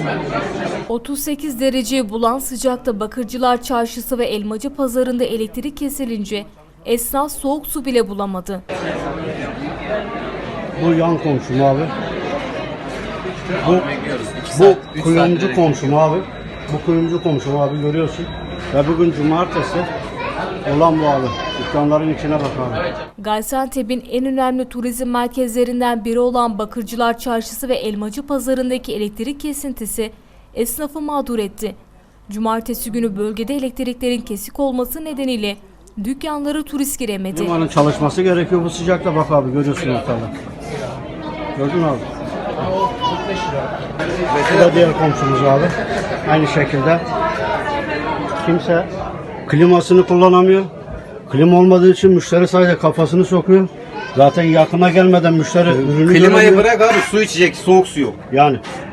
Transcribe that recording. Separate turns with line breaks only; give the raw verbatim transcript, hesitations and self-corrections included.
otuz sekiz dereceyi bulan sıcakta Bakırcılar Çarşısı ve Elmacı Pazarı'nda elektrik kesilince esnaf soğuk su bile bulamadı.
Bu yan komşum abi. Bu, bu kuyumcu komşum abi. Bu kuyumcu komşum abi, görüyorsun. Ve bugün cumartesi. Olan bu abi. Dükkanların içine bak abi.
Gaziantep'in en önemli turizm merkezlerinden biri olan Bakırcılar Çarşısı ve Elmacı Pazarı'ndaki elektrik kesintisi esnafı mağdur etti. Cumartesi günü bölgede elektriklerin kesik olması nedeniyle dükkanlara turist giremedi.
Limanın çalışması gerekiyor bu sıcakta, bak abi, görüyorsun ortada. Gördün abi. Bu da diğer komşumuz abi. Aynı şekilde. Kimse klimasını kullanamıyor. Klima olmadığı için müşteri sadece kafasını sokuyor. Zaten yakına gelmeden müşteri ürünü
Klimayı
göremiyor.
bırak abi, su içecek, soğuk su yok.
Yani